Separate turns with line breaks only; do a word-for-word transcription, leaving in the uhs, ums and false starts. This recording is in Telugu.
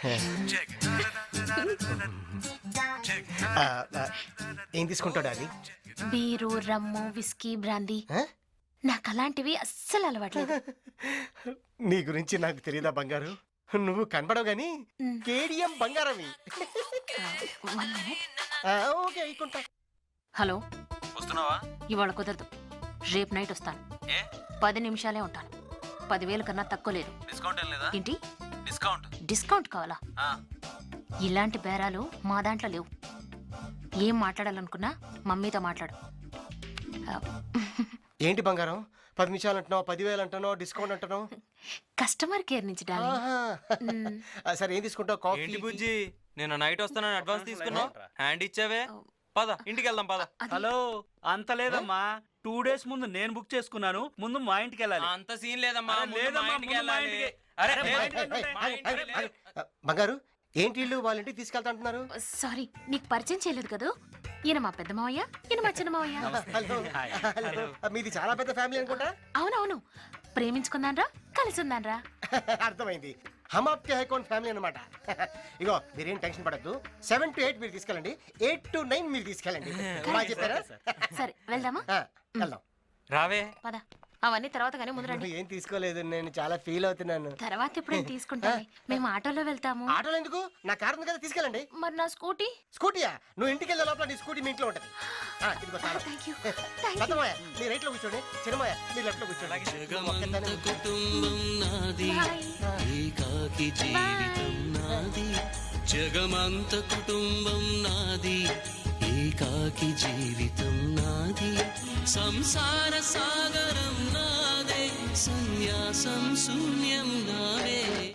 ఆ, ఆ, ఏం తీసుకుంటాడు అది?
Beer, rum, whisky, brandy. నాకు అలాంటివి అస్సలు అలవాట్లేదు.
నీ గురించి నాకు తెలియదా బంగారు? నువ్వు కనపడవు గాని కేడిఎం బంగారవి.
One minute.
ఆ, ఓకే ఇకుంటా.
హలో,
వస్తున్నావా?
ఇవాళ కుదరదు, రేపు నైట్ వస్తాను.
ఏ
పది నిమిషాలే ఉంటాను. పదివేలు కన్నా తక్కువ లేదు.
డిస్కౌంట్ ఏం లేదా?
ఏంటి
డిస్కౌంట్?
డిస్కౌంట్ కావాలా?
ఆ,
ఇలాంటి బేరాలు మా దాంట్లో లేవు. ఏం మాట్లాడాలనుకున్నా మమ్మీతో మాట్లాడు. ఆ,
ఏంటి బంగారం పది నిమిషాలు అంటున్నావు, పదివేలు అంటున్నావు, డిస్కౌంట్ అంటున్నావు?
కస్టమర్ కేర్ నుంచి డార్లింగ్.
ఆహా.
మ్.
ఆ, సరే ఏం తీసుకుంటావు? కాఫీ?
ఏంటి బుజ్జి, నేను నైట్ వస్తానని అడ్వాన్స్ తీసుకున్నావు, హ్యాండ్ ఇచ్చావే. పద ఇంటికి వెళ్దాం పద.
అది-
హలో, అంత లేదమ్మా. టూ డేస్ ముందు నేను బుక్ చేసుకున్నాను. ముందు మా ఇంటికి వెళ్ళాలి.
అంత సీన్ లేదమ్మా,
అరే,
ముందు
లేదమ్మా,
మా ఇంటికి
ముందు మా
వెళ్ళాలి.
ఇంటికి.
అరే,
అరే,
ఏ,
మా
ఏయ్,
ఇంటికి
ఏయ్, ఏయ్,
మా
ఏయ్,
ఇంటికి
ఏయ్,
వెళ్ళాలి.
ఆ, బంగారు ఏంటి ఇల్లు వాళ్ళ ఇంటికి తీసుకెళ్తా అంటున్నారు?
సారీ, నీకు పరిచయం చేయలేదు కదా. ఈయన మా పెద్ద మావయ్య, ఈయన మా చిన్న మావయ్య.
Hello
hi.
హలో మీది చాలా పెద్ద ఫ్యామిలీ అనుకుంటా.
అవునవును, ప్రేమించుకుందాన్రా, కలిసి ఉందాన్రా.
అర్థమైంది. హమ్ ఆప్కే హై కౌన్ ఫ్యామిలీ అనమాట. ఇగో మీరేం టెన్షన్ పడద్దు. సెవెన్ టు ఎయిట్ మీరు తీసుకెళ్ళండి, ఎయిట్ టు నైన్ మీరు తీసుకెళ్ళండి. బాగా చెప్పారా?
సరే వెళ్దామా?
ఆ, వెళ్దాం.
రావే.
పద, అవన్నీ తర్వాత కానీ ముందు రండి.
ఏం తీసుకోలేదు, నేను చాలా ఫీల్ అవుతున్నాను.
తర్వాత ఎప్పుడైనా తీసుకుంటాను. మేము ఆటోలో వెళ్తాము.
ఆటోలో ఎందుకు? నా కారు ఉంది కదా, తీసుకెళ్ళండి.
మరి నా స్కూటీ?
స్కూటీయా? నువ్వు ఇంటికి వెళ్ళే లోపల నీ స్కూటీ మీ ఇంట్లో ఉంటది. ఆ, ఇదిగో తాళం.
Thank you thank you.
పెద్దమాయ మీరు రైట్ లో కూర్చోండి, చిన్నమాయ మీరు లెఫ్ట్ లో కూర్చోండి. ఒక్కదాన్నే కూర్చో.
కుటుంబం నాది, ఏకాకి జీవితం నాది. జగమంత కుటుంబం నాది, ఏకాకి జీవితం నాది. సంసార సాగరం నాదే, సన్యాసం శూన్యం నావే.